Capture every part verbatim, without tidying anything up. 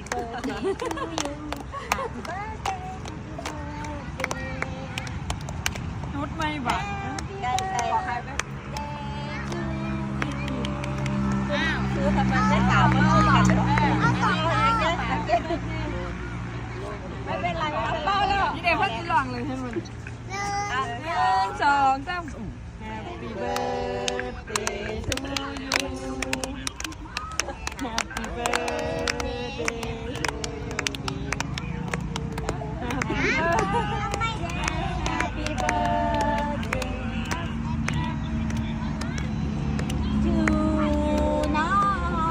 birthday to you Happy birthday ชุดไม่บัตรใกล้ใกล้ใครไปอ้าวคือทำไมได้สาวมาเอาหลังเอาสองหางเยอะไม่เป็นไรไม่เป็นไรเป้าแล้วนี่เด็กพัดหลังเลยให้มันหนึ่งสองสาม Happy birthday to you Happy birthday Happy birthday to น้อง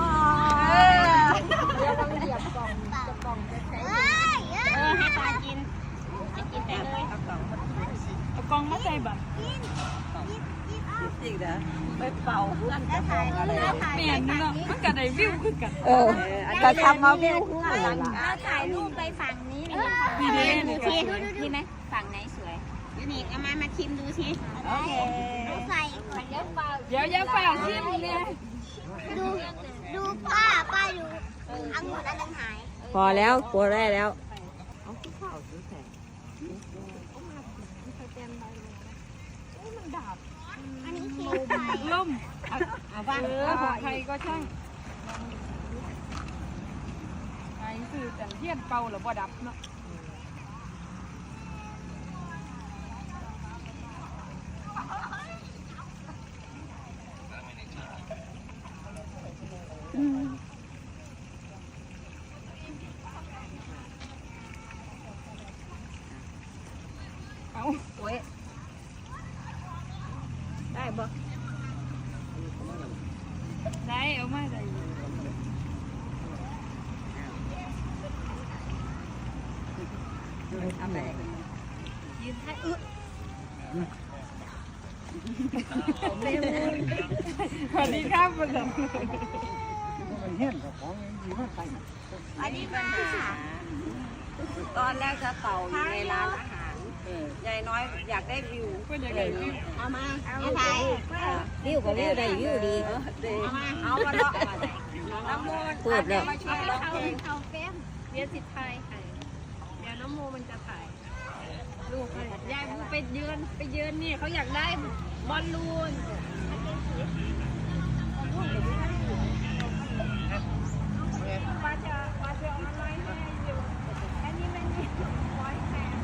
เดี๋ยวต้องเหยียบกล่องจะกล่องจะใช้เออให้ตากินจะกินแต่เลยเอากล่องเอากองมาใส่บัตรจริงนะไปเป่าเพื่อนจะพองอะไรเปลี่ยนเนาะมันก็ได้วิวขึ้นกันเออจะทำมาวิวเพื่อนเลยล่ะเราถ่ายรูปไปฝั่งนี้นี่ดีเด้ดูนี่ทีดีไหมฝั่งไหนสวยยูนิคเอามามาชิมดูสิโอเคใส่ก่อนเดี๋ยวเปล่าเดี๋ยวอย่าฝ่าชิมเนี่ยดูดูป้าป้าดูอังุ่นอันนึงหายพอแล้วกลัวได้แล้วอันนี้เค้กไข่ล่มเอาบ้างเออของใครก็ช่างไอ้คือแต่เทียนเป่าหรือบ่ดับเนาะเอาโอ้ยได้บ่ได้เอามาได้อยู่ทำอะไรยืนให้อึสวัสดีครับคุณหลวงอันนี้ปัญหาตอนแรกจะเป่าอยู่ในร้านอาหารยายน้อยอยากได้วิวก็อยากได้วิวเอามาเอาไปวิวก็วิวได้วิวดีเอามาเอามาเลาะน้ำมูลพูดแล้วมาช่วยร้องเพลงเอาเฟ้มเรียนสิทธิ์ไทยค่ะเดี๋ยวน้องโมมันจะถ่ายลูกให้ยายไปเยือนไปเยือนนี่เขาอยากได้บอลลูนว่าจะว่าจะเอาอะไรให้อยู่อันนี้ไม่มีร้อยแปด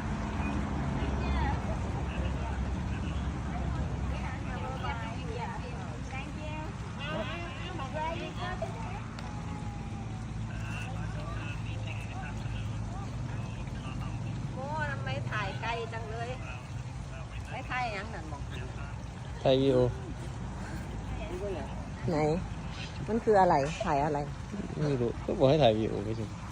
โม่ทำไมถ่ายไกลจังเลยไม่ถ่ายยังนั่นบอกถ่ายวิวไหน มันคืออะไรถ่ายอะไรไม่รู้ก็บอกให้ถ่ายวิวไปสิ